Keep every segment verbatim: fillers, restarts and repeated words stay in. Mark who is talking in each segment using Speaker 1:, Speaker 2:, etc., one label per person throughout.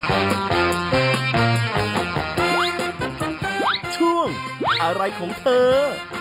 Speaker 1: ช่วงอะไรของเธอ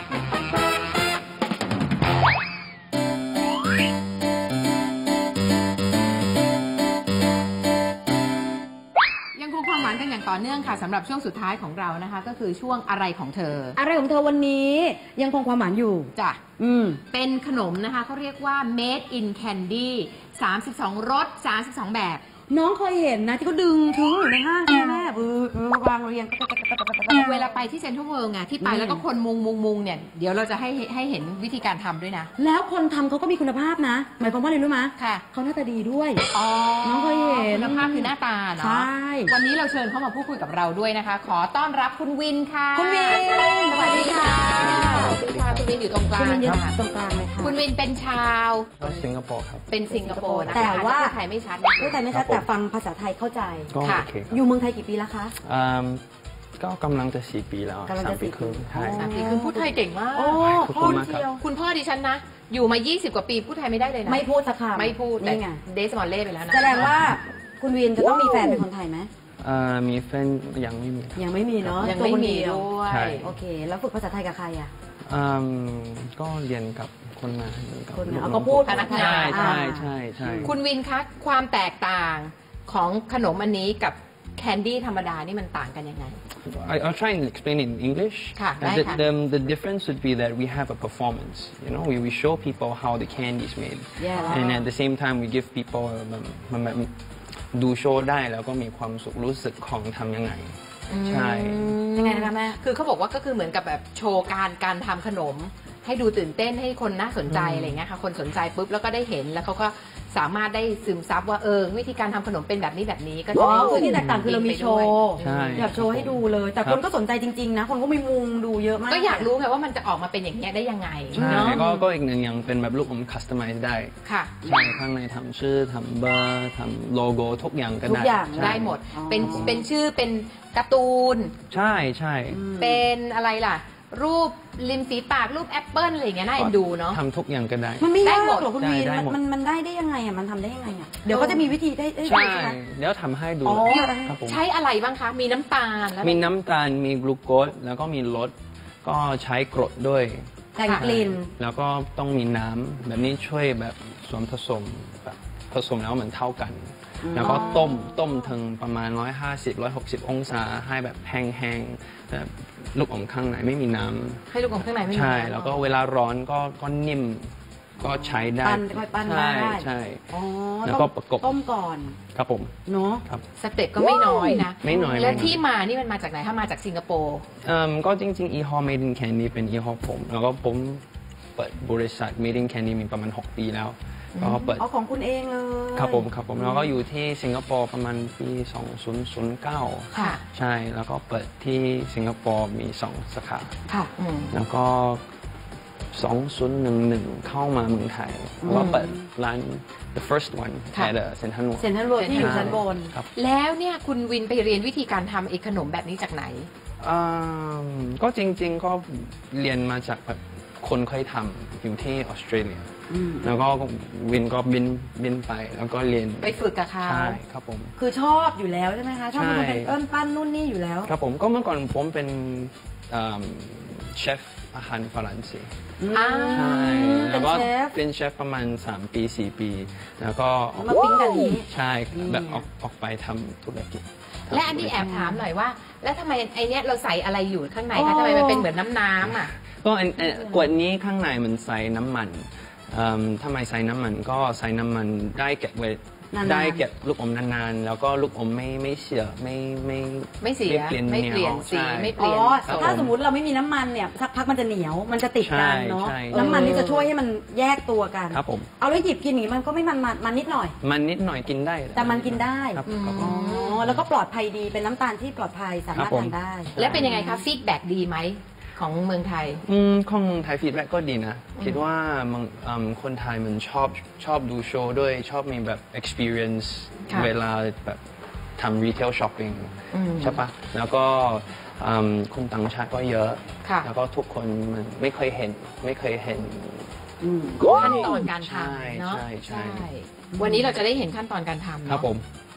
Speaker 2: ความหวานกันอย่างต่อเนื่องค่ะสำหรับช่วงสุดท้ายของเรานะคะก็คือช่วงอะไรของเธอ
Speaker 3: อะไรของเธอวันนี้ยังคงความหวานอยู่
Speaker 2: จ้ะ
Speaker 3: อืม
Speaker 2: เป็นขนมนะคะเขาเรียกว่า made in candy สามสิบสองรสสามสิบสองแบบ
Speaker 3: น้องเคยเห็นนะที่เขาดึงถึงอยู่ในห้างใช่ไหมเออเออวางเรียง
Speaker 2: เวลาไปที่เซ็นทรัลเวิลด์ไงที่ไปแล้วก็คนมุงมุงมุงเนี่ยเดี๋ยวเราจะให้ให้เห็นวิธีการทำด้วยนะ
Speaker 3: แล้วคนทำเขาก็มีคุณภาพนะหมายความว่าอะไรรู้ไหม
Speaker 2: ค่ะ
Speaker 3: เขาหน้าตาดีด้วย
Speaker 2: อ๋อ
Speaker 3: น้องเคยเห็น
Speaker 2: คุณภาพคือหน้าตาเนาะ
Speaker 3: ใช่
Speaker 2: วันนี้เราเชิญเขามาพูดคุยกับเราด้วยนะคะขอต้อนรับคุณวินค่ะ
Speaker 3: คุณวิน
Speaker 2: สวัสดีค่ะสวัสดีค่ะคุณวินอยู่ตรงกลาง
Speaker 3: คุณวินอยู่ตรงกลางเลยค่ะ
Speaker 2: คุณวินเป็นชาว
Speaker 4: สิงคโปร์ครับ
Speaker 2: เป็นสิงคโปร์นะ
Speaker 3: แต่ว่า
Speaker 2: ไทยไม่ชัด
Speaker 3: พูดไทยไม่ชัดแต่ฟังภาษาไทยเข้าใจ
Speaker 4: ค่ะ
Speaker 3: อยู่เมืองไทยกี่ปีแล้วคะ
Speaker 4: ก็กำลังจะสี่ปีแล้ว
Speaker 3: สามปีครึ่ง
Speaker 4: ใช่
Speaker 2: สามปีครึ่งพูดไทยเก่งมาก
Speaker 3: โอ้
Speaker 4: พ่อเดียว
Speaker 2: คุณพ่อดิฉันนะอยู่มายี่สิบกว่าปีพูดไทยไม่ได้เลยนะ
Speaker 3: ไม่พูดสักคำ
Speaker 2: ไม่พูดแต่เดสมอลเล่ไปแล้วนะ
Speaker 3: แสดงว่าคุณวินจะต้องมีแฟนเป็นคนไทยไหม
Speaker 4: มีแฟนยังไม่มี
Speaker 3: ยังไม่มีเนาะ
Speaker 2: ยังไม่มีด้วย
Speaker 3: โอเคแล้วฝึกภาษาไทยกับใครอ่ะ
Speaker 4: ก็เรียนกับคนมา
Speaker 3: คนเอาก็พูด
Speaker 2: พนักงาน
Speaker 4: ใช่ใช่ใช่
Speaker 2: คุณวินคะความแตกต่างของขนมอันนี้กับแคนดี้ธรรมดานี่มันต่างกันยังไง
Speaker 4: I'll try and explain it in English.
Speaker 2: ค่ะได้ค่ะ
Speaker 4: The, the difference would be that we have a performance. You know, we, we show people how the candy is made.
Speaker 3: Yeah.
Speaker 4: And at the same time, we give people มันแบบดูโชว์ได้แล้วก็มีความสุขรู้สึกของทำยังไงใช่
Speaker 3: ยังไงนะคะแม่
Speaker 2: คือเขาบอกว่าก็คือเหมือนกับแบบโชว์การการทำขนมให้ดูตื่นเต้นให้คนน่าสนใจอะไรเงี้ยค่ะคนสนใจปุ๊บแล้วก็ได้เห็นแล้วเขาก็สามารถได้ซึมซับว่าเออวิธีการทำขนมเป็นแบบนี้แบบนี้ก็
Speaker 3: จะคือที่แตกต่างคือเรามีโชว์อยากโชว์ให้ดูเลยแต่คนก็สนใจจริงๆนะคนก็มีมุงดูเยอะมาก
Speaker 2: ก็อยากรู้ไงว่ามันจะออกมาเป็นอย่างนี้ได้ยังไง
Speaker 4: ใช่ก็ก็อีกหนึ่งอย่างเป็นแบบลูกอมคัสตอมไมซ์ได้
Speaker 2: ค่ะ
Speaker 4: ใช่ข้างในทำชื่อทำเบอร์ทำโลโก้ทุกอย่างก็ได้
Speaker 3: ทุกอย่าง
Speaker 2: ได้หมดเป็นเป็นชื่อเป็นการ์ตูน
Speaker 4: ใช่ใช่
Speaker 2: เป็นอะไรล่ะรูปริมฝีปากรูปแอปเปิ้ลอะไรอย่างเงี้ยน่าเอ็นดูเนาะ
Speaker 4: ทำทุกอย่างก็ได้
Speaker 3: มันไม่ยากหรอกคุณวีมันมันได้ได้ยังไงอ่ะมันทำได้ยังไงอ่ะเดี๋ยวก็จะมีวิธีได้
Speaker 4: ใช่เดี๋ยวทำให้ดู
Speaker 2: ใช้อะไรบ้างคะมีน้ำตาล
Speaker 4: มีน้ำตาลมีกลูโคสแล้วก็มีรสก็ใช้กรดด้วย
Speaker 3: แต่งกลิ่น
Speaker 4: แล้วก็ต้องมีน้ำแบบนี้ช่วยแบบส่วนผสมแบบผสมแล้วเหมือนเท่ากันแล้วก็ต้มต้มถึงประมาณหนึ่งร้อยห้าสิบ หนึ่งร้อยหกสิบองศาให้แบบแห้งๆแบบลูกอมข้างในไม่มีน้
Speaker 2: ำให้ลูกอมข้างในไม่มี
Speaker 4: ใช่แล้วก็เวลาร้อนก็ก็นิ่มก็ใช้ได้
Speaker 3: ปั้นค่อยปั้นได้
Speaker 4: ใช่แล้วก็ประกบ
Speaker 3: ต้มก่อน
Speaker 4: ครับผม
Speaker 3: เนาะ
Speaker 2: สเต็ปก็ไม่น้อยนะ
Speaker 4: ไม่น้อย
Speaker 2: แล้วที่มานี่มันมาจากไหนถ้ามาจากสิงคโปร์
Speaker 4: ก็จริงๆอีฮอล Made in Candy เป็นอีฮอลผมแล้วก็ผมเปิดบริษัท Made in Candy มีประมาณหกปีแล้วก็เปิด
Speaker 3: เอาของคุณเองเลย
Speaker 4: ครับผมครับผมแล้วก็อยู่ที่สิงคโปร์ประมาณปีสองพันเก้า
Speaker 2: ค่ะ
Speaker 4: ใช่แล้วก็เปิดที่สิงคโปร์มีสองสาขา
Speaker 2: ค่ะ
Speaker 4: แล้วก็สองพันสิบเอ็ดเข้ามาเมืองไทยแล้วก็เปิดร้าน the first one แต่เซ็นทรัลเวิลด์
Speaker 3: เซ็นทรัลเวิลด์ที่อยู่ชั้นบน
Speaker 2: แล้วเนี่ยคุณวินไปเรียนวิธีการทำไอ้ขนมแบบนี้จากไหน
Speaker 4: ก็จริงๆก็เรียนมาจากแบบคนเคยทำอยู่ที่ออสเตรเลียแล้วก็วินก็บินบินไปแล้วก็เรียน
Speaker 2: ไปฝึกกับเขา
Speaker 4: ใช่ครับผม
Speaker 3: คือชอบอยู่แล้วใช่ไหมคะชอบมันเป็นเอิ้นปั้นนู่นนี่อยู่แล้ว
Speaker 4: ครับผมก็เมื่อก่อนผมเป็นเชฟอาหารฝรั่งเศสใช่แล้วก็เป็นเชฟประมาณสามปีสี่ปีแล้วก็
Speaker 3: มาปิ้งกันนี้
Speaker 4: ใช่แบบออกออกไปทำธุรกิจ
Speaker 2: และอันนี้แอบถามหน่อยว่าแล้วทำไมไอเนี้ยเราใส่อะไรอยู่ข้างในคะทำไมมันเป็นเหมือนน้ำน้ำอ่ะ
Speaker 4: ก็ขวดนี้ข้างในมันใส่น้ำมันทำไมใส่น้ำมันก็ใส่น้ำมันได้เก็บไว้ได้เก็บลูกอมนานๆแล้วก็ลูกอมไม่ไม่เสียไม่ไม่
Speaker 2: ไม่เสียไม่เปลี่ยนไม่เปลี่ยนสีไม่เปลี่ยน
Speaker 3: ถ้าสมมติเราไม่มีน้ำมันเนี่ยสักพักมันจะเหนียวมันจะติดกันเนาะน้ำมันนี่จะช่วยให้มันแยกตัวกัน
Speaker 4: ครับผม
Speaker 3: เอาแล้วหยิบกินอย่างนี้มันก็ไม่มันมันนิดหน่อย
Speaker 4: มันนิดหน่อยกินได้
Speaker 3: แต่มันกินได้อ๋อแล้วก็ปลอดภัยดีเป็นน้ำตาลที่ปลอดภัยสามารถทานได้
Speaker 2: แล้วเป็นยังไงคะฟีดแบ็กดีไหมของเมืองไทย
Speaker 4: อืมของเมืองไทยฟีดแบ็กก็ดีนะคิดว่าคนไทยมันชอบชอบดูโชว์ด้วยชอบมีแบบ experience เวลาแบบทำ retail shopping ใช่ปะแล้วก็คนต่างชาติก็เยอะแล้วก็ทุกคนมันไม่เคยเห็นไม่เคยเห็น
Speaker 2: ขั้นตอนการทำเนาะ
Speaker 4: ใช่ใช่
Speaker 2: วันนี้เราจะได้เห็นขั้นตอนการทำ
Speaker 4: ครับผม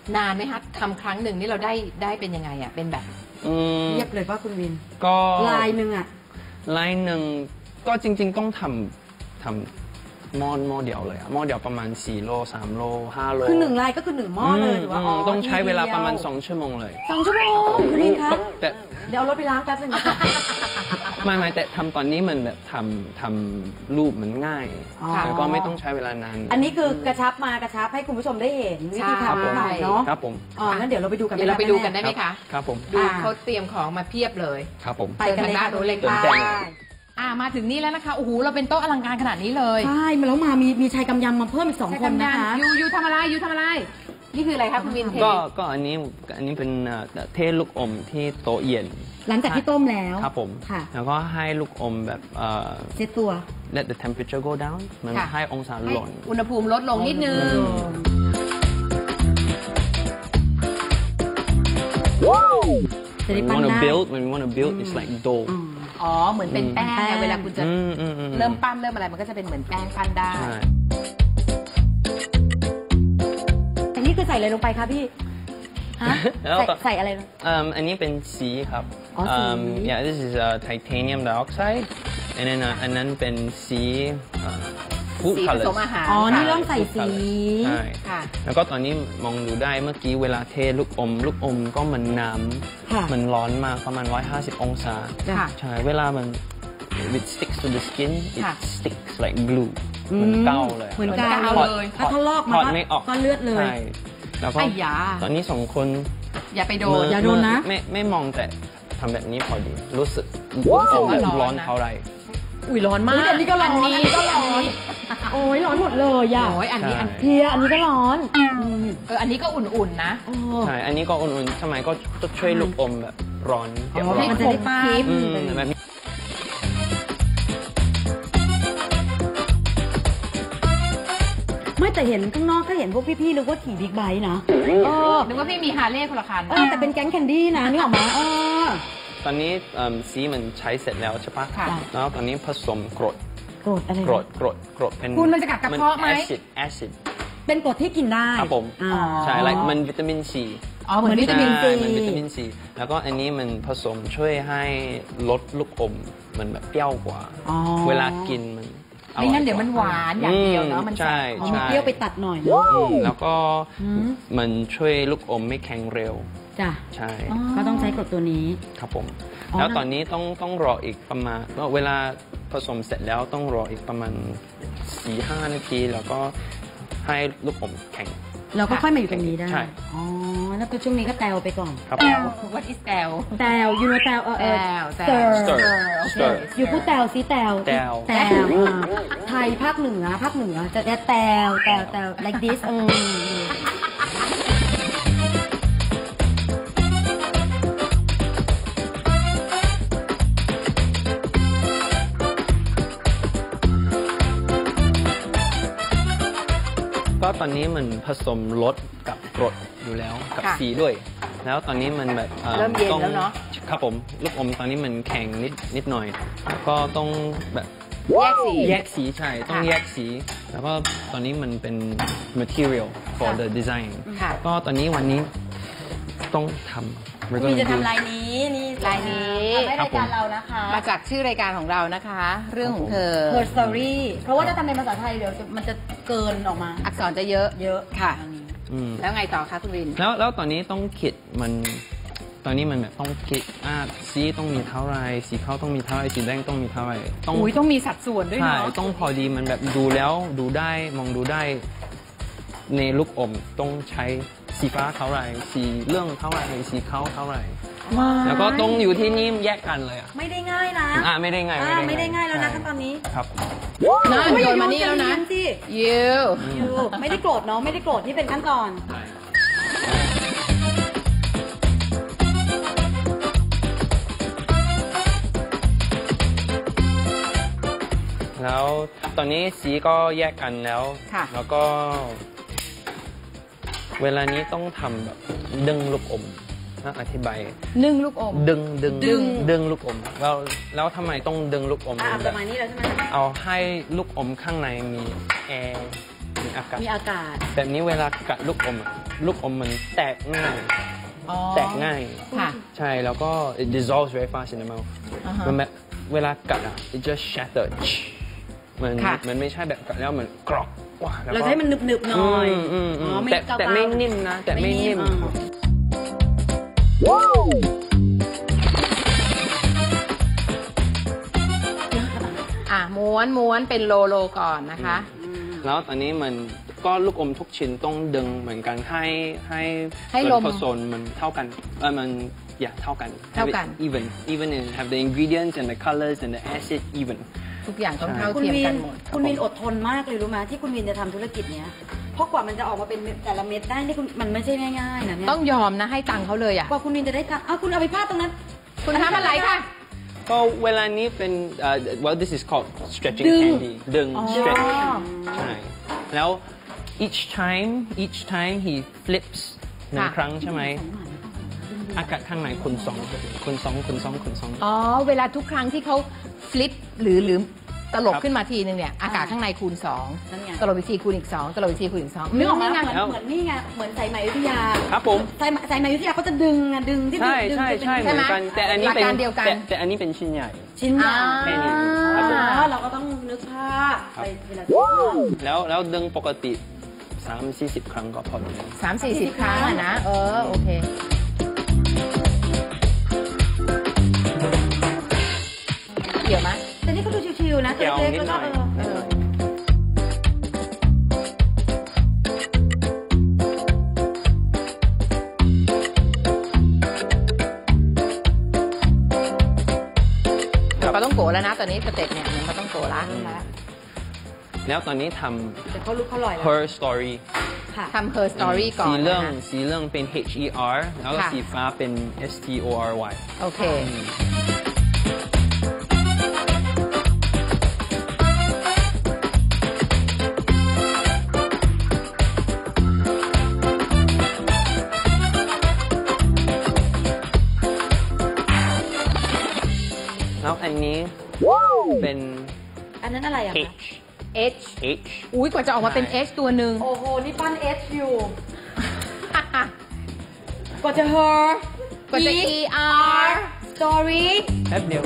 Speaker 2: นานไหมคะทำครั้งหนึ่งนี่เราได้ได้เป็นยังไงอ่ะเป็นแบบ
Speaker 4: อืม
Speaker 3: เรียบเลยว่าคุณวิน
Speaker 4: ก็
Speaker 3: ลายหนึ่งอ่ะ
Speaker 4: ลายหนึ่งก็จริง ๆ ต้องทำทำหม้อหม้อเดียวเลยอะหม้อเดียวประมาณสี่โลสามโลห้าโล
Speaker 3: คือหนึ่งลายก็คือหนึ่งหม้อเลยหรือว่า
Speaker 4: ม
Speaker 3: อ๋อ
Speaker 4: ต้องใช้เวลาประมาณ
Speaker 3: ทีเดียว
Speaker 4: สองชั่วโมงเลย
Speaker 3: สองชั่วโมงคุณวินคะ
Speaker 4: แต่
Speaker 3: เดี๋ยวเอารถไปล้างแป๊บนึงนะคะ
Speaker 4: ไม่ไม่แต่ทำตอนนี้มันแบบทำทำรูปมันง่าย
Speaker 3: อ๋อ
Speaker 4: แล้วก็ไม่ต้องใช้เวลานาน
Speaker 3: อันนี้คือกระชับมากระชับให้คุณผู้ชมได้เห็นวิธี
Speaker 2: ใช่
Speaker 3: ทำหน่อยเนาะ
Speaker 4: ครับผม
Speaker 3: อ๋องั้นเดี๋ยวเราไปดูกัน
Speaker 2: เดี๋ยวเราไปดูกันได้ไหม
Speaker 4: ครั
Speaker 2: คะ
Speaker 4: บครับผม
Speaker 2: ดู
Speaker 3: อ่า
Speaker 2: เขาเตรียมของมาเพียบเลย
Speaker 4: ครับผม
Speaker 3: ไปกันเลยค่ะ
Speaker 2: เดินทางด้านนู้นเลยค่ะ
Speaker 3: ไป
Speaker 2: อ่ามาถึงนี่แล้วนะคะโอ้โหเราเป็นโต๊ะอลังการขนาดนี้เลย
Speaker 3: ใช่มาแล้วมามีมีชายกำยำมาเพิ่มอีกสองคนนะคะ
Speaker 2: ยูยูทำอะไรยูทำอะไร นี่คืออะไรคะคุณวินเท
Speaker 4: ก็ก็อันนี้อันนี้เป็นเอ่อเทลูกอมที่โต๊ะเย็น
Speaker 3: หลังจากที่ต้มแล้ว
Speaker 4: ครับผม
Speaker 3: ค่ะ
Speaker 4: แล้วก็ให้ลูกอมแบบเอ่อ
Speaker 3: เซตตัว
Speaker 4: let the temperature go down มัน
Speaker 2: ค่ะ
Speaker 4: ให้องศา
Speaker 2: ให้
Speaker 4: หล่น
Speaker 2: อุณหภูมิลดลงนิดนึง
Speaker 3: จะได้
Speaker 4: when
Speaker 3: ปั้
Speaker 4: we
Speaker 3: น
Speaker 4: wanna
Speaker 3: ได้
Speaker 4: build when we wanna build it's like dough
Speaker 3: อืม
Speaker 2: อ๋อเหมือนเป็นแป้ง
Speaker 3: แป้
Speaker 2: ไง
Speaker 3: ง
Speaker 2: เวลาคุณจะ
Speaker 4: อืมอืมอืม
Speaker 2: เริ่มปั้นเริ่มอะไรมันก็จะเป็นเหมือนแป้งปั้นได้
Speaker 4: ใช่
Speaker 3: อันนี้คือใส่อะไรลงไปคะพี่ฮะ
Speaker 4: แล้ว
Speaker 3: ใส่
Speaker 4: ก็
Speaker 3: ใส่อะไรลง
Speaker 4: Um, อันนี้เป็นสีครับ
Speaker 3: อ๋อสี
Speaker 4: um, yeah this is uh, titanium dioxide and then uh, อันนั้นเป็นสี uh, food
Speaker 2: สีผ
Speaker 4: colors
Speaker 2: สมอาหาร
Speaker 3: อ๋อ นี่
Speaker 2: ค่ะ
Speaker 3: เริ่มใส่สี
Speaker 4: ใช่
Speaker 2: ค่ะ
Speaker 4: แล้วก็ตอนนี้มองดูได้เมื่อกี้เวลาเทลูกอม ลูกอมก็มันน้
Speaker 3: ค่ะ
Speaker 4: ำมันร้อนมากประมาณหนึ่งร้อยห้าสิบองศา
Speaker 2: ค่ะ
Speaker 4: ใช่ เวลามัน it sticks to the skin it
Speaker 2: ค่ะ
Speaker 4: sticks like glue เหมือนเกาเลย
Speaker 3: เหมือน
Speaker 2: เหมือน
Speaker 3: กาว
Speaker 2: กาว
Speaker 3: เล
Speaker 2: เลย
Speaker 3: ยถ้าทะลอกมา
Speaker 4: ถอดไม่ออก
Speaker 3: ก็เลือดเลย
Speaker 4: ใช่แล้วก็
Speaker 2: ไอ้ยา
Speaker 4: ตอนนี้สองคน
Speaker 2: อย่าไปโด
Speaker 4: มื
Speaker 2: น
Speaker 3: อย่าโดนนะ
Speaker 4: ไม่ไม่มองแต่ทำแบบนี้พอดี รู้สึก
Speaker 2: รู้สึกว่า
Speaker 4: แบบ
Speaker 2: ร้
Speaker 4: ร้
Speaker 2: อ
Speaker 4: อน น
Speaker 2: นะ
Speaker 4: เท่าไหร
Speaker 2: อุ้ยร้อนมาก
Speaker 3: อุ๊ยอันนี้ก็ร้อน
Speaker 2: อันนี้
Speaker 3: อันนี้ก็ร้อน โอ้ยร้อนหมดเลยอ่ะ
Speaker 2: โอ้ยอันนี้อัน
Speaker 3: เพียอันนี้ก็ร้อนอืม
Speaker 2: เอออันนี้ก็อุ่นๆนะ
Speaker 3: โอ้
Speaker 4: ใช่ อันนี้ก็อุ่นๆสมัยก็จะช่วยลูกอมแบบร้อนเก็บ
Speaker 3: อ๋อ
Speaker 4: ร้อ
Speaker 3: มัน
Speaker 4: น
Speaker 3: จะได้ป้า
Speaker 2: คลิป
Speaker 4: อืมแบบนี้
Speaker 3: ไม่แต่เห็นข้างนอกก็เห็นพวกพี่ๆนึกว่าขี่บิ๊กไบค์นะเออ
Speaker 2: นึกว่าพี่มีฮาร์เลย์คนละคัน
Speaker 3: เออแต่เป็นแก๊งแคนดี้นะนี่ออกมาเออ
Speaker 4: ตอนนี้เอิ่มสีมันใช้เสร็จแล้วใช่ปะ
Speaker 2: ค่ะ
Speaker 4: แล้วตอนนี้ผสมกรด
Speaker 3: โกรธอะไรนะ
Speaker 4: กรดกรดกรดเป็น
Speaker 2: คุณมันจะกัดกระเพาะไหม
Speaker 4: แอซิดแอซิด
Speaker 3: เป็นกรดที่กินได้
Speaker 4: ครับผม
Speaker 3: อ่า
Speaker 4: ใช่ like มันวิตามินซี
Speaker 2: อ๋อเหมือนวิตามิน
Speaker 3: ซี
Speaker 4: ใช่มันวิตามินซีแล้วก็อันนี้มันผสมช่วยให้ลดลูกอมมันแบบเปรี้ยวกว่า
Speaker 3: อ๋อ
Speaker 4: เวลากินมันอร่อ
Speaker 2: ไม่งั้นเดี๋ยวมันหวานอย่างเดียวเนาะ
Speaker 4: อื
Speaker 2: มันแส
Speaker 4: ใช่
Speaker 2: บ
Speaker 3: อ๋อ
Speaker 4: ใช่
Speaker 3: มีเปรี้ยวไปตัดหน่อยนะ
Speaker 4: อืมแล้วก็
Speaker 3: อืม
Speaker 4: มันช่วยลูกอมไม่แข็งเร็ว
Speaker 3: จ้ะ
Speaker 4: ใช่
Speaker 3: ก็ต้องใช้กรดตัวนี้
Speaker 4: ครับผม
Speaker 3: อ๋อ
Speaker 4: แล้วตอนนี้ต้องต้องรออีกประมาณเวลาผสมเสร็จแล้วต้องรออีกประมาณสี่ห้านาที แล้วก็ให้ลูกอมแข็ง
Speaker 3: เราก็ค่อยมาอยู่ตรงนี้ได้
Speaker 4: ใช่
Speaker 3: อ๋อ แล้วก็ช่วงนี้ก็แตวไปก่อน
Speaker 4: ครับ
Speaker 2: แตว what is แตว
Speaker 3: แตวยูโนแตวเออเออ
Speaker 2: แตว
Speaker 3: สเตอร์
Speaker 4: stir
Speaker 2: โอเค
Speaker 4: stir
Speaker 3: อยู่พูดแตวซิแตว
Speaker 4: แตว
Speaker 3: แตวอ่าไทยภาคเหนือภาคเหนือจะจะแตวแตวแตว like this อืม
Speaker 4: ก็ตอนนี้มันผสมรสกับกรดอยู่แล้วกับ
Speaker 2: ค่ะ
Speaker 4: สีด้วย แล้วตอนนี้มันแบบอ่อ
Speaker 2: เริ่มเย็น
Speaker 4: ต้อง
Speaker 2: แล้วเนอะ
Speaker 4: ครับผมลูกอมตอนนี้มันแข็งนิดนิดหน่อยแล้วก็ต้องแบบ
Speaker 2: แยกสี
Speaker 4: แยกสีใช่ต้อง
Speaker 2: ค่ะ
Speaker 4: แยกสี แล้วก็ตอนนี้มันเป็น material for
Speaker 2: ค่ะ
Speaker 4: the design
Speaker 2: ค่ะ
Speaker 4: ก็ตอนนี้วันนี้ต้องทำ We're
Speaker 3: มี
Speaker 4: gonna
Speaker 3: จะ
Speaker 4: do
Speaker 3: ทำลายนี้นี่
Speaker 2: ลายนี้
Speaker 3: ทำให้รายการเรานะคะ
Speaker 2: มาจากชื่อรายการของเรานะคะ เรื่องของเธอ
Speaker 3: Her Story เพราะว่าถ้าทำเป็นภาษาไทยเดี๋ยวจะมันจะเกินออกมา
Speaker 2: อักษรจะเยอะ
Speaker 3: เยอะ
Speaker 2: ค่ะ
Speaker 3: อันนี้
Speaker 4: อืม
Speaker 2: แล้วไงต่อคะคุณวิน
Speaker 4: แล้วแล้วตอนนี้ต้องคิดมันตอนนี้มันแบบต้องคิดอ่าสีต้องมีเท่าไหรสีขาวต้องมีเท่าไหรสีแดงต้องมีเท่าไหรต้อง
Speaker 2: อุ้ยต้องมีสัดส่วนด้วย
Speaker 4: ใช่
Speaker 2: เนาะ
Speaker 4: ต้องพอดีมันแบบดูแล้วดูได้มองดูได้ ในลูกอมต้องใช้สีฟ้าเท่าไหรสีเหลืองเท่าไหรสีขาวเท่าไหรแล้วก็ต้องอยู่ที่นี่แยกกันเลยอ่ะ
Speaker 3: ไม่ได้ง่ายนะ
Speaker 4: อ่าไม่ได้ง่าย
Speaker 3: อ่าไม่ได้ง่ายแล้วนะ
Speaker 4: ใช่
Speaker 3: ขั้นตอนนี้
Speaker 4: ครับ
Speaker 2: น่าโยนมานี่แล้วนะ
Speaker 3: อย่าโยสิ
Speaker 2: ยู
Speaker 3: ยูไม่ได้โกรธเนาะไม่ได้โกรธนี่เป็นขั้นตอน
Speaker 4: แล้วตอนนี้สีก็แยกกันแล้ว
Speaker 2: ค่ะ
Speaker 4: แล้วก็ เวลานี้ต้องทำแบบดึงลูกอมนะอธิบาย
Speaker 2: นึ่งลูกอม
Speaker 4: ดึงดึง
Speaker 2: ดึง
Speaker 4: ดึงลูกอมแล้วแล้วทำไมต้องดึงลูกอม
Speaker 3: อ่าป
Speaker 4: แบ
Speaker 3: ระ
Speaker 4: บ
Speaker 3: มาณนี้แล้วใช่ไหม
Speaker 4: เอาให้ลูกอมข้างในมีแอร์มีอากาศ
Speaker 3: มีอากาศ
Speaker 4: แบบนี้เวลากัดลูกอมอะลูกอมมันแตกง่าย
Speaker 2: อ๋อ
Speaker 4: แตกง่าย
Speaker 2: ค่ะ
Speaker 4: ใช่แล้วก็ it dissolves very fast in the mouth
Speaker 2: อ่าฮะ
Speaker 4: มันแบบเวลากัดอ่ะ it just shattered มัน
Speaker 2: ค่ะ
Speaker 4: มันไม่ใช่แบบกัดแล้วมันกรอบว้าแล้ว
Speaker 3: เรา
Speaker 4: ก็
Speaker 3: จะให้มันหนึบๆหน่อย
Speaker 4: อืมอืมอืม
Speaker 3: อ๋อไม่
Speaker 4: แต่
Speaker 3: เกาๆ
Speaker 4: แต่ไม่นิ่มนะ แต่ไม่นิ่ม
Speaker 3: อ่า
Speaker 2: อ่ะม้วนม้วนเป็นโลโลก่อนนะคะ
Speaker 4: แล้วตอนนี้มันก็ลูกอมทุกชิ้นต้องดึงเหมือนกันให้ให้
Speaker 2: ให้
Speaker 4: ส่วน
Speaker 2: ลม
Speaker 4: ผสมมันเท่ากันเออมันอย่าเท่ากัน
Speaker 2: เท่ากัน
Speaker 4: Have it even even in have the ingredients and the colors and the acid even
Speaker 2: ทุกอย่างต้อง
Speaker 4: ใช่
Speaker 2: เท่า
Speaker 3: คุณ
Speaker 2: เทียม
Speaker 3: วิ
Speaker 2: กัน นหมด
Speaker 3: คุณวินอดทนมากเลยรู้ไหมที่คุณวินจะทำธุรกิจเนี้ยเพราะกว่ามันจะออกมาเป็นแต่ละเม็ดได้นี่คุณมันไม่ใช่ง่ายๆนะเนี่ย
Speaker 2: ต้องยอมนะให้ตังค์เขาเลยอ่ะ
Speaker 3: กว่าคุณวินจะได้ตังค์อ้าวคุณเอาไปพาดตรงนั้น
Speaker 2: คุณทำอะไรคะ
Speaker 4: ก็เวลานี้เป็นเอ่อ well this is called stretching
Speaker 3: ดึง
Speaker 4: candy ดึง
Speaker 2: อ๋อ
Speaker 4: stretch ใช่แล้ว each time each time he flips หนึ่ง
Speaker 2: ค่ะ
Speaker 4: ครั้งใช่ไหมอากาศข้างในคุณสองคุณสองคุณสองคุณสอง
Speaker 2: อ๋อ เวลาทุกครั้งที่เขาฟลิปหรือหรือตลบ
Speaker 4: ครับ
Speaker 2: ขึ้นมาทีนึงเนี่ย อากาศข้างในคูณสอง
Speaker 3: นั่นไง
Speaker 2: ตลบอีกทีคูณอีกสองตลบอีกทีคูณอีกสอง
Speaker 3: นึกออกไหม
Speaker 2: ไง
Speaker 3: เหมือน
Speaker 4: แล้ว
Speaker 3: เหมือนนี่ไงเหมือนสายไหมอยุธยา
Speaker 4: ครับผม
Speaker 3: สายไหมสายไหมอยุธยาเขาจะดึงอะดึงที่
Speaker 4: ใช่
Speaker 3: ดึง
Speaker 4: ใช่
Speaker 3: ดึง
Speaker 4: ใช่
Speaker 3: ดึง
Speaker 4: เหมือนกันแต่อันนี้
Speaker 2: หลัก
Speaker 4: เป็น
Speaker 2: การเดียวกัน
Speaker 4: แต่แต่อันนี้เป็นชิ้นใหญ่
Speaker 3: ชิ้นใหญ่
Speaker 4: แค่นี้
Speaker 3: อ๋
Speaker 4: ครับ
Speaker 3: อเราก็ต้องนึกภาพไปเวลา
Speaker 4: แล้วแล้วดึงปกติสามสี่สิบครั้งก็พอแล้ว
Speaker 2: สามสี่สิบครั้งอะนะ เออ โอเค เกี่ยวไหม
Speaker 3: แต่นี่เขาดูชิวๆนะตัว
Speaker 4: เกี่ยว
Speaker 3: เล็ก
Speaker 4: นิ
Speaker 3: ๆ
Speaker 4: ด
Speaker 3: แล้ว
Speaker 4: ห
Speaker 3: ก็
Speaker 4: น่อย
Speaker 3: เออ
Speaker 4: นิดหน่อยครับ
Speaker 2: ปลาต้องโกะแล้วนะ ตอนนี้สเต็ปเนี่ยเหมือนปลาต้องโกะละ
Speaker 4: แล้วตอนนี้ท
Speaker 3: แต่เขารู้เขาลอย
Speaker 4: ำ
Speaker 3: แล้ว
Speaker 4: her story
Speaker 3: ค่ะ
Speaker 2: ทำ her story ก่อน
Speaker 4: สีเหลือง
Speaker 2: นะคะ
Speaker 4: สีเหลืองเป็น H E R แล้วก็
Speaker 2: ค่ะ
Speaker 4: สีฟ้าเป็น S T O R Y
Speaker 2: โอเค
Speaker 4: แล้วอันนี้เป็น
Speaker 3: อันนั้นอะไรอะคะ
Speaker 4: H
Speaker 2: H
Speaker 4: H
Speaker 2: อุ้ยกว่าจะออกมาเป็น H ตัวหนึ่ง
Speaker 3: โอ้โห นี่ปั้น H อยู่ กว่าจะ her
Speaker 2: กว่าจะ E R
Speaker 3: story
Speaker 4: แป๊บเดียว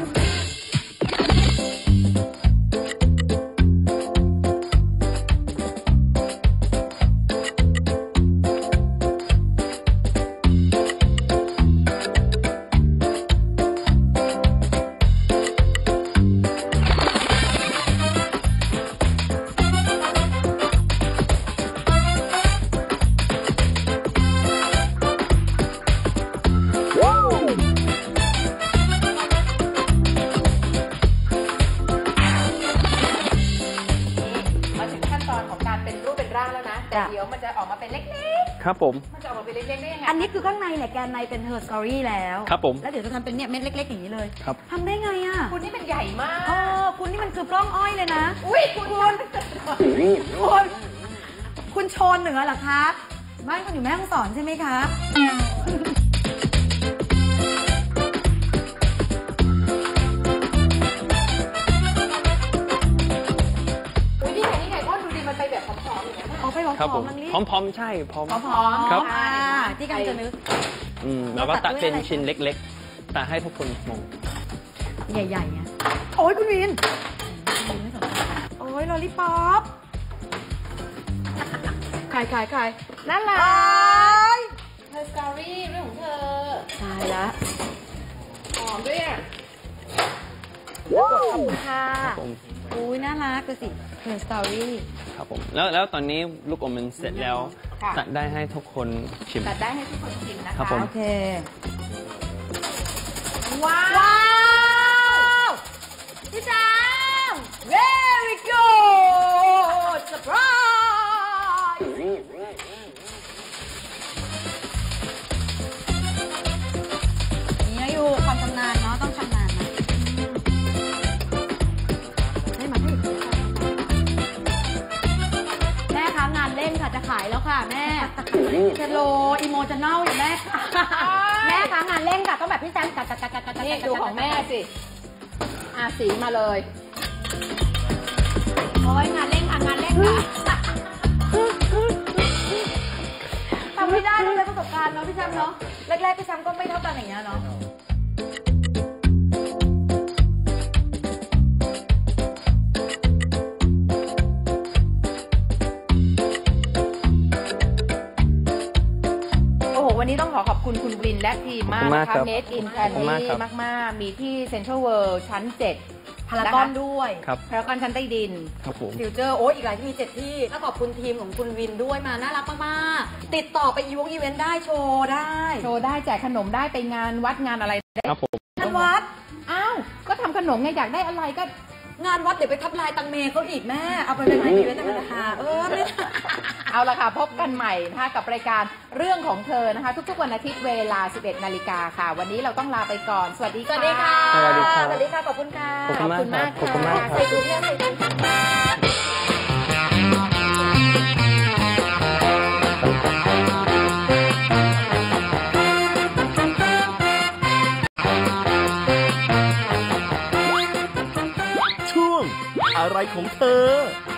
Speaker 2: มาถึงขั้นตอนของการเป็นรูปเป็นร่างแล้วนะ แต่
Speaker 3: จ้ะ
Speaker 2: เดี๋ยวมันจะออกมาเป็นเล็ก
Speaker 4: ครับผม
Speaker 2: ๆ มันจะออกมาเป็นเล็กๆได้ยังไง
Speaker 3: อันนี้คือข้างในเนี่ยแกนในเป็น her story แล้ว
Speaker 4: ครับผม
Speaker 3: แล้วเดี๋ยวจะทำเป็นเนี่ยเม็ดเล็กๆอย่างนี้เลย
Speaker 4: ครับ
Speaker 3: ทำได้ไงอะ
Speaker 2: คุณนี่มันใหญ่มา
Speaker 3: เอก อคุณนี่มันคือกล้องอ้อยเลยนะ
Speaker 2: อุ้ยคุณ
Speaker 3: คุณคุณคุณโชนเหนือเหรอคะบ้านคุณอยู่แม่ฮ่องสอนใช่ไหมคะ
Speaker 2: อุ้ยนี่ไงนี่ไงก็ดูดีมันไปแบบผอมๆอย่างเงี้ย
Speaker 3: เอาไปหอ
Speaker 4: ครับผม
Speaker 3: มๆมันนี่
Speaker 4: พร้อมๆใช่พร้อม
Speaker 2: ผอมๆ
Speaker 4: ครับ
Speaker 3: อ่าที่กำลังจะนึก
Speaker 4: อืมแล้วก็ตัดเป็น
Speaker 3: ตัดด้วยอะไร
Speaker 4: ชิ้นเล็กๆตัดให้ทุกคนมอง
Speaker 3: ใหญ่ๆไงโอ้ยคุณวิน โอ้ยลอลิปอปขายขายขาย
Speaker 2: น่ารั
Speaker 3: โอ้
Speaker 2: ก
Speaker 3: ย
Speaker 2: เธอสตอรี่เรื่องของเธอ
Speaker 3: ตายละ
Speaker 2: หอมด้วยอ่ะ
Speaker 3: ค่ะ
Speaker 4: ครับผม
Speaker 3: อุ้ยน่ารักดูสิเพื่อนสตอรี่
Speaker 4: ครับผมแล้วแล้วตอนนี้ลูกอมมันเสร็จแล้ว
Speaker 2: ค่ะ
Speaker 4: ตัดได้ให้ทุกคนชิม
Speaker 2: ตัดได้ให้ทุกคนชิมนะคะ
Speaker 4: ครับผม
Speaker 3: โอเค
Speaker 2: ว้าว
Speaker 3: ว้าวพี่แจม very good surprise นี่อยู่ความชำนาญเนาะต้องชำนาญนะให้มาให้แม่คะงานเล่นค่ะจะขายแล้วค่ะแม่จะโลอีโมจะเน่าอยู่แม่แม่คะงานเล่นค่ะต้องแบบพี่แซมกัดกัดกัดกัดกัด
Speaker 2: นี่ดูของแม่สิอาสีมาเลย
Speaker 3: โอ้ยงานเล่นค่ะงานเล่นค่ะำไม่ได้ต้องใช้ประสบการณ์เนาะพี่แชมป์เนาะแรกๆพี่แชมป์ก็ไม่เท่ากันอย่างเงี้ยเนาะ
Speaker 2: วันนี้ต้องขอขอบคุณคุณวินและทีมมากนะคะ Made in Candy มากๆมีที่ Central World ชั้น เจ็ด
Speaker 3: พารากอนด้วย
Speaker 2: พารากอนชั้นใต้ดิน
Speaker 4: ครับผม
Speaker 3: ฟิวเจอร์โอ้ยอีกหลายที่มีเจ็ดที่แล้วขอบคุณทีมของคุณวินด้วยมาน่ารักมากๆติดต่อไปอีวงอีเวนต์ได้โชว์ได้
Speaker 2: โชว์ได้แจกขนมได้ไปงานวัดงานอะไรได้
Speaker 4: ครับผม
Speaker 3: งานวัด
Speaker 2: อ้าวก็ทำขนมไงอยากได้อะไรก็
Speaker 3: งานวัดเดี๋ยวไปทับลายตังเมเขาอีกแม่เอาไปเป็นงานอีเวนต์นะคะเออไม่
Speaker 2: เอาละค่ะพบกันใหม่นะคะกับรายการเรื่องของเธอนะคะทุกๆวันอาทิตย์เวลา สิบเอ็ด นาฬิกาค่ะ วันนี้เราต้องลาไปก่อนสวัสดี
Speaker 3: สวัสดีค่ะ
Speaker 4: สวัสดีครับ
Speaker 3: สวัสดีค่ะขอบคุณค่ะ
Speaker 4: ขอบคุณมากครับขอบคุณมากครับ
Speaker 3: ใส่ถุงเนี่ยใส่ถุง
Speaker 1: ช่วงอะไรของเธอ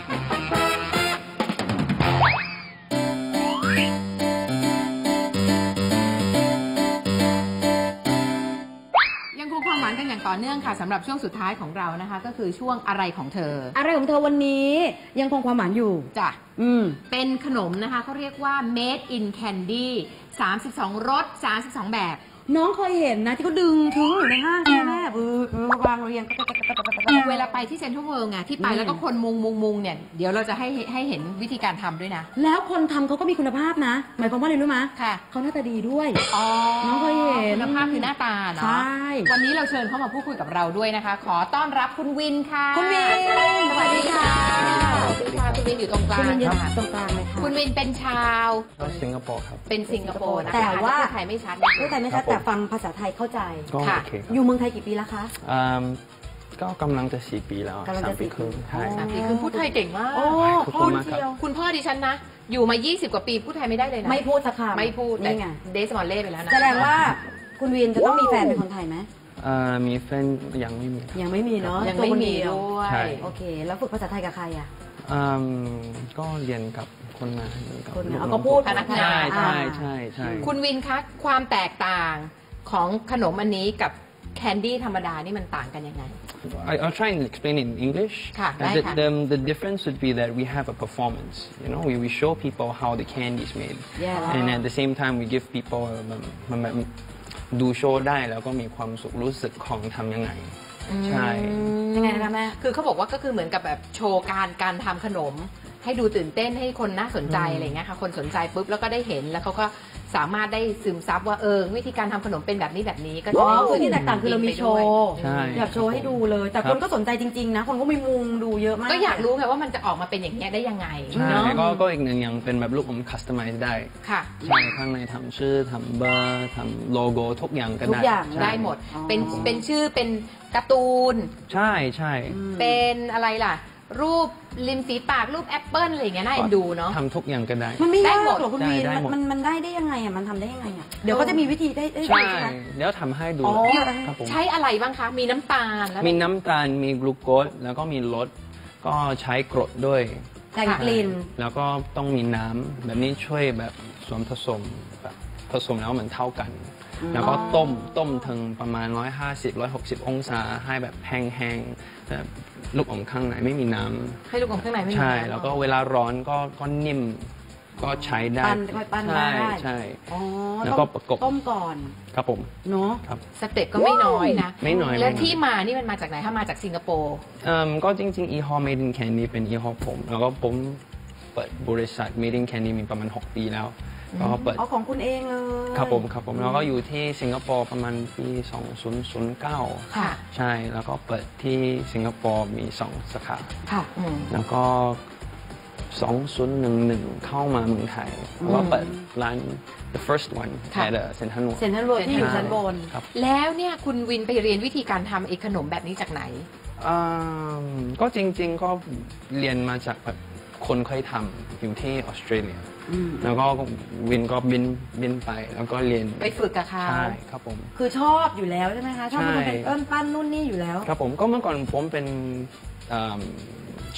Speaker 2: ยังคงความหวานกันอย่างต่อเนื่องค่ะสำหรับช่วงสุดท้ายของเรานะคะ ก็คือช่วงอะไรของเธอ
Speaker 3: อะไรของเธอวันนี้ยังคงความหวานอยู่
Speaker 2: จ้ะ
Speaker 3: อืม
Speaker 2: เป็นขนมนะคะเขาเรียกว่า Made in Candy สามสิบสองรสสามสิบสองแบบ
Speaker 3: น้องเคยเห็นนะที่เขาดึงถึงอยู่ในห้างใช่ไหมแม่เออเออวางเรียง
Speaker 2: เวลาไปที่เซ็นทรัลเวิลด์ไงที่ไปแล้วก็คนมุงมุงมุงเนี่ยเดี๋ยวเราจะให้ให้เห็นวิธีการทำด้วยนะ
Speaker 3: แล้วคนทำเขาก็มีคุณภาพนะ หมายความว่าอะไรรู้ไหม
Speaker 2: ค่ะ
Speaker 3: เขาหน้าตาดีด้วย
Speaker 2: อ๋อ
Speaker 3: น้องเคยเห็น
Speaker 2: คุณภาพคือหน้าตาเนาะ
Speaker 3: ใช่
Speaker 2: วันนี้เราเชิญเข้ามาพูดคุยกับเราด้วยนะคะ ขอต้อนรับคุณวินค่ะ
Speaker 3: คุณวินสวัสดีค่ะ
Speaker 2: สวัสดีค่ะคุณวินอยู่ตรงกลาง
Speaker 3: คุณวินยืน
Speaker 2: ค่ะ
Speaker 3: ตรงกลางเลยค่ะ
Speaker 2: คุณวินเป็นชาว
Speaker 4: สิงคโปร์ครับ
Speaker 2: เป็นสิงคโปร์นะคะ
Speaker 3: แต่ว่า
Speaker 2: อจจะพูดไทยไม่ชัดนิดนึง
Speaker 3: พูดไทยไม่ชัดแต่ฟังภาษาไทยเข้าใจ
Speaker 4: ก็
Speaker 2: ค่ะ
Speaker 4: โอเคครับ
Speaker 3: อยู่เมืองไทยกี่ปีแล้วคะ
Speaker 4: อืมก็กำลังจะสี่ปีแล้ว
Speaker 3: กำลังจะ
Speaker 4: สามปี
Speaker 3: สี่
Speaker 4: ครึ่ง
Speaker 3: ปี
Speaker 4: ใช่
Speaker 2: สามปีคือพูดไทยเก่งมาก
Speaker 3: โอ้
Speaker 4: ขอบ
Speaker 3: พู
Speaker 4: คุ
Speaker 3: ด
Speaker 4: ณมากครับ
Speaker 3: เดียว
Speaker 2: คุณพ่อดิฉันนะ อยู่มา ยี่สิบ กว่าปีพูดไทยไม่ได้เลยนะ
Speaker 3: ไม่พูดสักคำ
Speaker 2: ไม่พูดแต่
Speaker 3: นี่ไง
Speaker 2: เดสมอลเล่ไปแล้วนะ
Speaker 3: แสดงว่าคุณวินจะต้องมีแฟนเป็นคนไทยไหม
Speaker 4: เอ่อมีแฟนยังไม่มีครับ
Speaker 3: ยังไม่มีเนาะ
Speaker 2: ยัง
Speaker 3: ตัว
Speaker 2: ไม่
Speaker 3: คน
Speaker 2: มี
Speaker 3: เดียว
Speaker 2: ด้วย
Speaker 4: ใช่
Speaker 3: โอเค แล้วฝึกภาษาไทยกับใครอ่ะ
Speaker 4: อืมก็เรียนกับคนงานกับ
Speaker 3: คนงาน
Speaker 4: ลู
Speaker 3: เอาก็พูด
Speaker 2: พนักงาน
Speaker 4: ใช่ใช่ใช่ใช่
Speaker 2: คุณวินคะความแตกต่างของขนมอันนี้กับแคนดี้ธรรมดานี่มันต่างกันยังไง
Speaker 4: I, I'll try and explain it in English.
Speaker 2: ค่ะ
Speaker 4: And
Speaker 2: ได้
Speaker 4: the,
Speaker 2: ค่ะ
Speaker 4: the, the difference would be that we have a performance. You know, we, we show people how the candy is made.
Speaker 3: Yeah.
Speaker 4: And at the same time, we give people มันมันแบบดูโชว์ได้แล้วก็มีความสุขรู้สึกของทำยังไง ใช่
Speaker 3: ยังไงนะคะแม่
Speaker 2: คือเขาบอกว่าก็คือเหมือนกับแบบโชว์การการทำขนม ให้ดูตื่นเต้นให้คนน่าสนใจอะไรเงี้ยค่ะคนสนใจปุ๊บแล้วก็ได้เห็นแล้วเขาก็สามารถได้ซึมซับว่าเออวิธีการทำขนมเป็นแบบนี้แบบนี้ก็
Speaker 3: อ๋
Speaker 2: จะ
Speaker 3: อ
Speaker 2: ได้
Speaker 3: คือที่แตกต่างคือเรามีโชว์
Speaker 4: ใช่
Speaker 3: อยากโชว์ให้ดูเลย แต่
Speaker 4: ครั
Speaker 3: ค
Speaker 4: บ
Speaker 3: นก็สนใจจริง ๆ นะ คนก็มีมุงดูเยอะมาก
Speaker 2: ก็อยากรู้ไงว่ามันจะออกมาเป็นอย่างเงี้ยได้ยังไง
Speaker 4: ใช่
Speaker 2: เนาะ
Speaker 4: ก็ก็อีกหนึ่งอย่างเป็นแบบลูกอม customize ได้
Speaker 2: ค่ะ
Speaker 4: ใช่ข้างในทำชื่อทำเบอร์ทำโลโก้ทุกอย่างก็
Speaker 3: ทุ
Speaker 4: ได้
Speaker 3: กอย่าง
Speaker 4: ใช่
Speaker 2: ได้หมด
Speaker 3: อ๋อ
Speaker 2: เป็นเป็นชื่อเป็นการ์ตูน
Speaker 4: ใช่ใช่
Speaker 2: เป็นอะไรล่ะ รูปริมฝีปากรูปแอปเปิ้ลอะไรอย่างเงี้ยน่าเอ็นดูเนาะ
Speaker 4: ทำทุกอย่างก็ได้
Speaker 3: มันไม่ยาก
Speaker 2: ได้หมด
Speaker 3: หรอกคุณวีน
Speaker 4: ได้ได้หมด
Speaker 3: มันมันได้ได้ยังไงอ่ะ มันทำได้ยังไงอ่ะ เดี๋ยวก็จะมีวิธีได้ได้
Speaker 4: ใช่
Speaker 3: ใช่ไหม
Speaker 4: เดี๋ยวทำให้ดู
Speaker 3: อ๋อ
Speaker 4: ครับผม
Speaker 2: ใช้อะไรบ้างคะ มีน้ำตาลแล้ว
Speaker 4: มีน้ำตาล มีกลูโคส แล้วก็มีรส ก็ใช้กรดด้วย
Speaker 3: แต่งกลิ่น
Speaker 4: แล้วก็ต้องมีน้ำแบบนี้ช่วยแบบส่วนผสมแบบผสมแล้วเหมือนเท่ากัน แล้วก็ต้มต้มถึงประมาณ หนึ่งร้อยห้าสิบ หนึ่งร้อยหกสิบ องศาให้แบบแห้งๆแบบลูกอมข้างในไม่มีน้ำ
Speaker 2: ให้ลูกอมข้างในไม่มี
Speaker 4: ใช่
Speaker 2: น้ำ
Speaker 4: แล้วก็เวลาร้อนก็ก็นิ่มก็ใช้ได้
Speaker 3: ปั้นค่อยปั้น
Speaker 4: ใช่
Speaker 3: ได้
Speaker 4: ใช่
Speaker 3: อ๋อ
Speaker 4: แล้ว
Speaker 3: ต้
Speaker 4: ก็
Speaker 3: ม
Speaker 4: ประกบ
Speaker 3: ต้มก่อน
Speaker 4: ครับผม
Speaker 3: เนาะ
Speaker 4: ครับ
Speaker 2: สเต็ปก็ไม่น้อยนะ
Speaker 4: ไม่น้อย
Speaker 2: แล้ว
Speaker 4: ไม่น้อย
Speaker 2: ที่มานี่มันมาจากไหน ถ้ามาจากสิงคโปร์
Speaker 4: เอิ่มก็จริงๆ e hall made in candy เป็น e hall ผม แล้วก็ผมเปิดบริษัท made in candy มีประมาณ หก ปีแล้วแล้วก็เปิด
Speaker 3: เอาของคุณเองเลย
Speaker 4: ครับผมครับผมแล้วก็อยู่ที่สิงคโปร์ประมาณปี สองพันเก้า
Speaker 2: ค่ะ
Speaker 4: ใช่แล้วก็เปิดที่สิงคโปร์มีสองสาขา
Speaker 3: ค่ะ
Speaker 2: อืม
Speaker 4: แล้วก็ สองพันสิบเอ็ด เข้ามาเมืองไทยแล้วก็เปิดร้าน the first one
Speaker 2: ค่ะ
Speaker 4: at Central World
Speaker 3: เซ็นทรัลเวิลด์ที่อยู่ชั้นบน
Speaker 4: ครับ
Speaker 2: แล้วเนี่ยคุณวินไปเรียนวิธีการทำไอ้ขนมแบบนี้จากไหน
Speaker 4: อืมก็จริงๆก็เรียนมาจากแบบคนเคยทำอยู่ที่ออสเตรเลีย
Speaker 3: อืม
Speaker 4: แล้วก็วินก็บินบินไปแล้วก็เรียน
Speaker 2: ไปฝึกกับเขา
Speaker 4: ใช่ครับผม
Speaker 3: คือชอบอยู่แล้วใช่ไหมคะ ชอบ
Speaker 4: ใช่
Speaker 3: มันเป็นเอิ้นปั้นนู่นนี่อยู่แล้ว
Speaker 4: ครับผมก็เมื่อก่อนผมเป็นเชฟ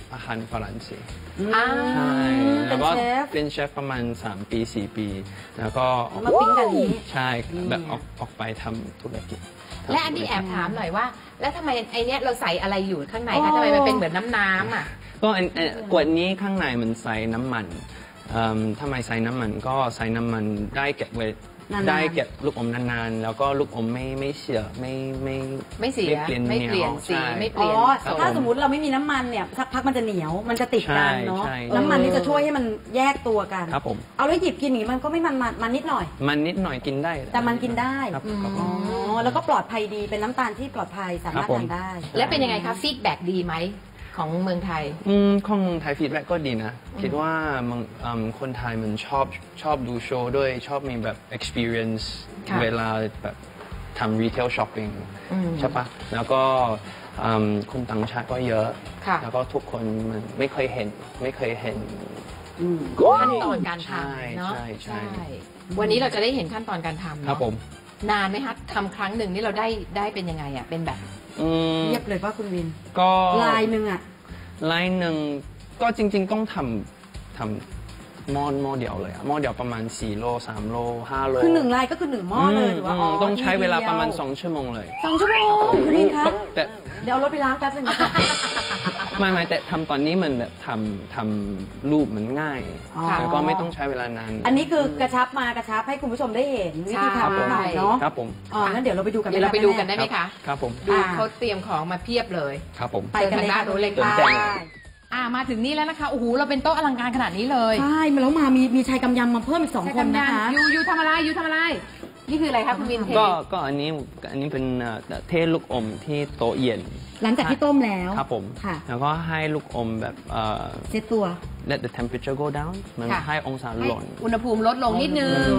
Speaker 4: อาหารฝรั่งเศส
Speaker 2: อ่า
Speaker 4: ใช่แล้วก็
Speaker 3: เป็นเชฟ
Speaker 4: เป็นเชฟประมาณสามปีสี่ปี แล้วก็ออก
Speaker 3: มาปิ้งกันนี้
Speaker 4: ใช่แบบออกออกไปทำธุรกิจ
Speaker 2: และอันนี้แอบถามหน่อยว่า แล้วทำไมไอเนี้ยเราใส่อะไรอยู่ข้างในคะทำไมมันเป็นเหมือนน้ำน้ำอ่ะ
Speaker 4: ก็อันอันขวดนี้ข้างในมันใส่น้ำมันเอิ่มทำไมใส่น้ำมันก็ใส่น้ำมันได้เก็บไว้
Speaker 3: นานๆ
Speaker 4: ได้เก็บลูกอมนานๆ แล้วก็ลูกอมไม่ไม่เสียไม่ไม่
Speaker 2: ไม่เสีย
Speaker 4: ไม่เปลี่ยน
Speaker 2: ไม่เปลี่ยน
Speaker 4: เหนียว
Speaker 2: สี
Speaker 4: ใช่
Speaker 2: ไม่เป
Speaker 3: อ๋
Speaker 2: ลี่
Speaker 3: อ
Speaker 2: ยน
Speaker 4: ครับ
Speaker 3: ถ้าสมมติเราไม่มีน้ำมันเนี่ยสักพักมันจะเหนียว มันจะติดกันเนาะ
Speaker 4: ใช่ใช่
Speaker 3: น้ำมันนี่จะช่วยให้มันแยกตัวกัน
Speaker 4: ครับผม
Speaker 3: เอาแล้วหยิบกินอย่างนี้มันก็ไม่มันมันมันนิดหน่อย
Speaker 4: มันนิดหน่อยกินได้
Speaker 3: แต่มันกินได้
Speaker 4: ครับครับผ
Speaker 3: อ๋อ
Speaker 4: ม
Speaker 3: แล้วก็ปลอดภัยดี เป็นน้ำตาลที่ปลอดภัยสามารถ
Speaker 4: ครับผม
Speaker 3: ทานได้
Speaker 2: และเป็นยังไงคะฟีดแบ็ดีไหมของเมืองไทย
Speaker 4: อืมของเมืองไทยฟีดแบ็กก็ดีนะ คิดว่าเมืองอืมคนไทยมันชอบชอบดูโชว์ด้วยชอบมีแบบ experience
Speaker 2: ค่ะ
Speaker 4: เวลาแบบทำ retail shopping
Speaker 2: อืม
Speaker 4: ใช่ปะแล้วก็อืมคนต่างชาติก็เยอะ
Speaker 2: ค่ะ
Speaker 4: แล้วก็ทุกคนมันไม่เคยเห็นไม่เคยเห็น
Speaker 2: ขั้นตอนการ
Speaker 4: ใช่
Speaker 2: ทำเนาะ
Speaker 4: ใช่ใช่
Speaker 2: วันนี้เราจะได้เห็นขั้นตอนการทำเนอะ
Speaker 4: ครับผม
Speaker 2: นานไหมคะทำครั้งหนึ่งนี่เราได้ได้เป็นยังไงอ่ะเป็นแบบ
Speaker 4: อืม
Speaker 3: เรียบเลยว่าคุณวิน
Speaker 4: ก็
Speaker 3: ลายหนึ่งอ่ะ
Speaker 4: ลายหนึ่งก็จริง ๆ ต้องทำทำหม้อหม้อเดียวเลยอะหม้อเดียวประมาณสี่โลสามโลห้าโล
Speaker 3: คือหนึ่งลายก็คือหนึ่งหม้อเลยหรือว่า
Speaker 4: ม
Speaker 3: อ๋อ
Speaker 4: ต้องใช้เวลาประมาณ
Speaker 3: ทีเดียว
Speaker 4: สองชั่วโมงเลย
Speaker 3: สองชั่วโมงคุณวินคะ
Speaker 4: แต่
Speaker 3: เดี๋ยวเอารถไปล้างแป๊บนึงนะคะ
Speaker 4: ไม่ไม่แต่ทำตอนนี้มันแบบทำทำรูปมันง่าย
Speaker 3: อ๋อ
Speaker 4: แล้วก็ไม่ต้องใช้เวลานาน
Speaker 3: อันนี้คือกระชับมากระชับให้คุณผู้ชมได้เห็นวิธี
Speaker 2: ใช่
Speaker 3: ทำนิดหน่อยเนาะ
Speaker 4: ครับผม
Speaker 3: อ๋องั้นเดี๋ยวเราไปดูกัน
Speaker 2: เดี๋ยวเราไปดูกันได้ไหม
Speaker 4: ครั
Speaker 2: คะ
Speaker 4: บครับผม
Speaker 2: ดู
Speaker 3: อ่า
Speaker 2: เขาเตรียมของมาเพียบเลย
Speaker 4: ครับผม
Speaker 3: ไปกันเลยค่ะ
Speaker 2: เชิญทางด้านนู้นเลยค่ะ
Speaker 3: ไป
Speaker 2: อ่ามาถึงนี่แล้วนะคะโอ้โหเราเป็นโต๊ะอลังการขนาดนี้เลย
Speaker 3: ใช่มาแล้วมามีมีชายกำยำมาเพิ่มอีกสองคนนะคะ
Speaker 2: ยูยูทำอะไรยูทำอะไร นี่คืออะไรคะคุณวินเท
Speaker 4: ก็ก็อันนี้อันนี้เป็นเอ่อเทลูกอมที่โต๊ะเย็น
Speaker 3: หลังจากที่ต้มแล้ว
Speaker 4: ครับผม
Speaker 3: ค่ะ
Speaker 4: แล้วก็ให้ลูกอมแบบเอ่อ
Speaker 3: เซตตัว
Speaker 4: let the temperature go down มัน
Speaker 2: ค่ะ
Speaker 4: ให้องศา
Speaker 2: ให้
Speaker 4: หล่น
Speaker 2: อุณหภูมิลดลงนิดนึง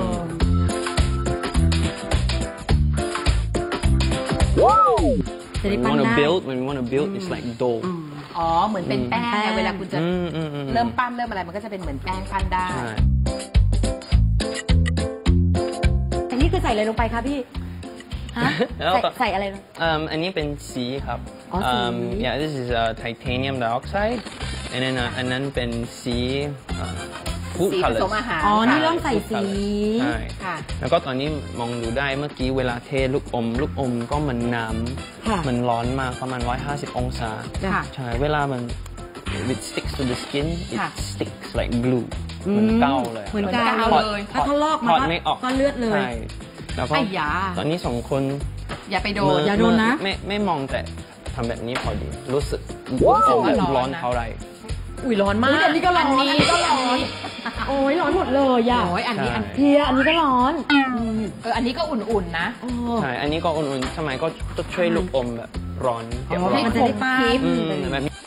Speaker 3: จะได้
Speaker 4: when
Speaker 3: ปั้
Speaker 4: we
Speaker 3: น
Speaker 4: wanna
Speaker 3: ได้
Speaker 4: build when we wanna build it's like dough
Speaker 3: อืม
Speaker 2: อ๋อเหมือนเป็นแป้ง
Speaker 3: แป้
Speaker 2: ไง
Speaker 3: ง
Speaker 2: เวลาคุณจะ
Speaker 4: อืมอืมอืม
Speaker 2: เริ่มปั้นเริ่มอะไรมันก็จะเป็นเหมือนแป้งปั้นได้
Speaker 4: ใช่
Speaker 3: อันนี้คือใส่อะไรลงไปคะพี่ฮะ
Speaker 4: แล้ว
Speaker 3: ใส่
Speaker 4: ก็
Speaker 3: ใส่อะไรลง
Speaker 4: Um, อันนี้เป็นสีครับ
Speaker 3: อ๋อสี
Speaker 4: um, yeah this is uh, titanium dioxide and then uh, อันนั้นเป็นสี uh, food
Speaker 2: สีผ
Speaker 4: colors
Speaker 2: สมอาหาร
Speaker 3: อ๋อ นี่
Speaker 2: ค่ะ
Speaker 3: เริ่มใส่สี
Speaker 4: ใช่
Speaker 2: ค่ะ
Speaker 4: แล้วก็ตอนนี้มองดูได้เมื่อกี้เวลาเทลูกอม ลูกอมก็มันน้
Speaker 3: ค่ะ
Speaker 4: ำมันร้อนมากประมาณหนึ่งร้อยห้าสิบองศา
Speaker 2: ค่ะ
Speaker 4: ใช่ เวลามัน it sticks to the skin it
Speaker 2: ค่ะ
Speaker 4: sticks like glue เหมือนเกาเลย
Speaker 3: เหมือน
Speaker 2: เหมือน
Speaker 3: กาว
Speaker 2: กาว
Speaker 3: เล
Speaker 2: เลย
Speaker 3: ยถ้าเขาลอก
Speaker 4: ถ
Speaker 3: มา
Speaker 4: อดไม่ออก
Speaker 3: ก็เลือดเลย
Speaker 4: ใช่แล้วก็
Speaker 2: ไอ้ยา
Speaker 4: ตอนนี้สองคน
Speaker 2: อย่าไปโด
Speaker 4: มื
Speaker 2: น
Speaker 3: อย่าโดนนะ
Speaker 4: ไม่ไม่มองแต่ทำแบบนี้พอดี รู้สึก
Speaker 2: รู้สึกว่า
Speaker 4: แบบ
Speaker 2: ร้
Speaker 4: ร้
Speaker 2: อ
Speaker 4: อน น
Speaker 2: นะ
Speaker 4: เท่าไหร
Speaker 2: อุ้ยร้อนมาก
Speaker 3: อุ๊ยอันนี้ก็ร้อน
Speaker 2: อันนี้
Speaker 3: อันนี้ก็ร้อน โอ้ยร้อนหมดเลยอ่ะ
Speaker 2: โอ้ยอันนี้อัน
Speaker 3: เพียอันนี้ก็ร้อนอืม
Speaker 2: เอออันนี้ก็อุ่นๆนะ
Speaker 3: โอ้
Speaker 4: ใช่ อันนี้ก็อุ่นๆสมัยก็จะช่วยลูกอมแบบร้อนเก็บ
Speaker 3: อ๋อ
Speaker 4: ร้อน
Speaker 3: มันจะได้ป้า
Speaker 2: คลิป
Speaker 4: อืมแบบนี้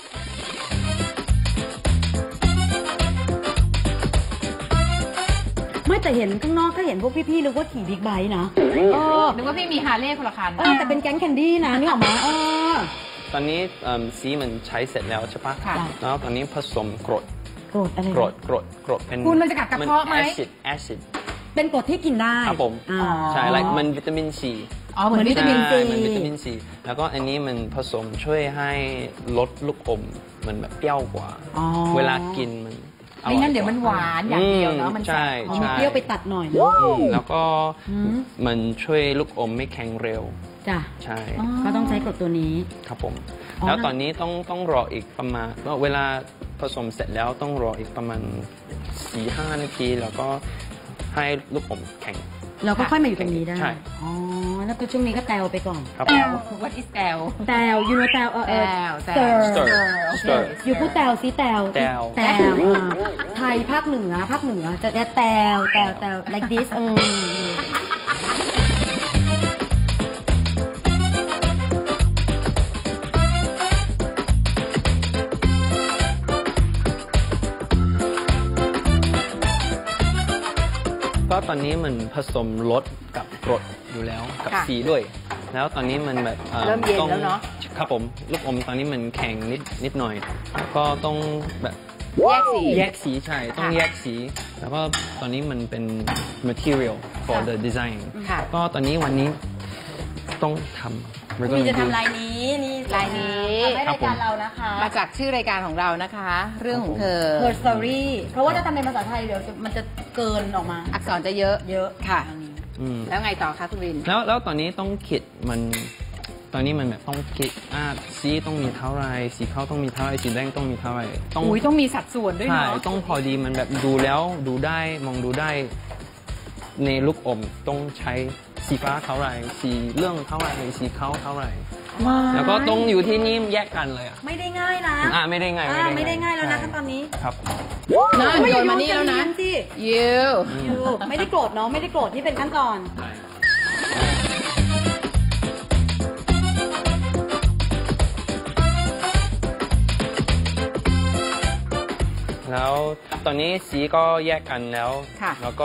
Speaker 3: ไม่แต่เห็นข้างนอกก็เห็นพวกพี่ๆนึกว่าขี่บิ๊กไบค์นะเออ
Speaker 2: นึกว่าพี่มีฮาร์เลย์คนละคัน
Speaker 3: เออแต่เป็นแก๊งแคนดี้นะนี่ออกมาเออ
Speaker 4: ตอนนี้เอิ่มสีมันใช้เสร็จแล้วใช่ปะ
Speaker 2: ค่ะ
Speaker 4: แล้วตอนนี้ผสมกรด
Speaker 3: โกรธอะไรนะ
Speaker 4: กรดกรดกรดเป็น
Speaker 2: คุณมันจะกัดกระเพาะไหม
Speaker 4: แอซิดแอซิด
Speaker 3: เป็นกรดที่กินได้
Speaker 4: ครับผม
Speaker 3: อ่า
Speaker 4: ใช่ like มันวิตามินซี
Speaker 2: อ๋อเหมือนวิตามิน
Speaker 3: ซี
Speaker 4: ใช่มันวิตามินซีแล้วก็อันนี้มันผสมช่วยให้ลดลูกอมมันแบบเปรี้ยวกว่า
Speaker 3: อ๋อ
Speaker 4: เวลากินมันอร่อ
Speaker 2: ไม่
Speaker 4: ก
Speaker 2: งั้นเดี๋ยวมันหวานอย่างเดียวเนาะมันแส
Speaker 4: ใช่
Speaker 2: บ
Speaker 3: อ๋อ
Speaker 4: ใช่
Speaker 3: มีเปรี้ยวไปตัดหน่อยนะ
Speaker 4: อืมแล้วก็
Speaker 3: อืม
Speaker 4: มันช่วยลูกอมไม่แข็งเร็ว
Speaker 3: จ้ะ
Speaker 4: ใช่
Speaker 3: ก็ต้องใช้กรดตัวนี้
Speaker 4: ครับผม
Speaker 3: อ๋อ
Speaker 4: แล้วตอนนี้ต้องต้องรออีกประมาณก็เวลาผสมเสร็จแล้วต้องรออีกประมาณสี่ห้านาที แล้วก็ให้ลูกอมแข็ง
Speaker 3: เราก็ค่อยมาอยู่ตรงนี้ได้
Speaker 4: ใช่
Speaker 3: อ๋อ แล้วก็ช่วงนี้ก็แตวไปก่อน
Speaker 4: ครับ
Speaker 2: แตว what is แตว
Speaker 3: แตวยูโนแตวเออ
Speaker 2: แต
Speaker 3: เออ
Speaker 2: วแต
Speaker 3: stir
Speaker 2: ว
Speaker 4: stir
Speaker 2: โอเค
Speaker 4: stir
Speaker 3: อยู่พูดแตวซิแตว
Speaker 4: แตว
Speaker 3: แตวอ่าไทยภาคเหนือภาคเหนือจะจะแตวแตวแตว like this เออ
Speaker 4: ก็ตอนนี้มันผสมรสกับกรดอยู่แล้วกับ
Speaker 2: ค่ะ
Speaker 4: สีด้วย แล้วตอนนี้มันแบบอ่อ
Speaker 2: เริ่มเย็น
Speaker 4: ต้อง
Speaker 2: แล้วเนอะ
Speaker 4: ครับผมลูกอมตอนนี้มันแข็งนิดนิดหน่อยแล้วก็ต้องแบบ
Speaker 2: แยกสี
Speaker 4: แยกสีใช่ต้อง
Speaker 2: ค่ะ
Speaker 4: แยกสี แล้วก็ตอนนี้มันเป็น material for
Speaker 2: ค่ะ
Speaker 4: the design
Speaker 2: ค่ะ
Speaker 4: ก็ตอนนี้วันนี้ต้องทำ We're
Speaker 3: คุณ
Speaker 4: gonna
Speaker 3: จะ
Speaker 4: do
Speaker 3: ทำลายนี้นี่
Speaker 2: ลายนี้
Speaker 3: ทำให้รายการเรานะคะ
Speaker 2: มาจากชื่อรายการของเรานะคะ เรื่องของเธอ
Speaker 3: Her Story เพราะว่าถ้าทำเป็นภาษาไทยเดี๋ยวจะมันจะเกินออกมา
Speaker 2: อักษรจะเยอะ
Speaker 3: เยอะ
Speaker 2: ค่ะ
Speaker 3: อันนี้
Speaker 4: อืม
Speaker 2: แล้วไงต่อคะคุณวิน
Speaker 4: แล้วแล้วตอนนี้ต้องคิดมันตอนนี้มันแบบต้องคิดอ่าสีต้องมีเท่าไรสีขาวต้องมีเท่าไรสีแดงต้องมีเท่าไรต้อง
Speaker 2: อุ้ยต้องมีสัดส่วนด้วย
Speaker 4: ใช่
Speaker 2: เนาะ
Speaker 4: ต้องพอดีมันแบบดูแล้วดูได้มองดูได้ในลูกอมต้องใช้สีฟ้าเท่าไรสีเหลืองเท่าไรสีขาวเท่าไรแล้วก็ต้องอยู่ที่นี่แยกกันเลยอ่ะ
Speaker 3: ไม่ได้ง่ายนะ
Speaker 4: อ่าไม่ได้ง่าย
Speaker 3: อ่าไม่ได้ง่ายแล้วนะขั้นตอนนี้
Speaker 4: ครับ
Speaker 2: น่าโยนมานี่แล้วนะ
Speaker 3: สิ
Speaker 2: ยู
Speaker 3: ยูไม่ได้โกรธเนาะไม่ได้โกรธที่เป็นขั้นตอน
Speaker 4: แล้วตอนนี้สีก็แยกกันแล้ว
Speaker 2: ค่ะ
Speaker 4: แล้วก็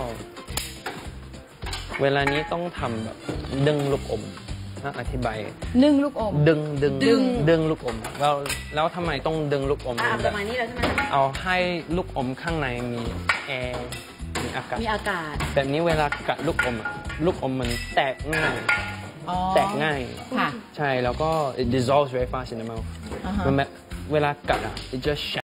Speaker 4: เวลานี้ต้องทำแบบดึงลูกอมนะอธิบาย
Speaker 2: นึ่งลูกอม
Speaker 4: ดึงดึง
Speaker 2: ดึง
Speaker 4: ดึงลูกอมแล้วแล้วทำไมต้องดึงลูกอม
Speaker 3: อ่า
Speaker 4: แบ
Speaker 3: ประ
Speaker 4: บ
Speaker 3: มาณนี้แล้วใช่ไหม
Speaker 4: เอาให้ลูกอมข้างในมีแอร์มีอากาศ
Speaker 3: มีอากาศ
Speaker 4: แบบนี้เวลากัดลูกอมอะลูกอมมันแตกง่าย
Speaker 2: อ๋อ
Speaker 4: แตกง่าย
Speaker 2: ค่ะ
Speaker 4: ใช่แล้วก็ it dissolves very fast in the mouth
Speaker 2: อ่าฮะ
Speaker 4: มันแบบเวลากัดอ่ะ it just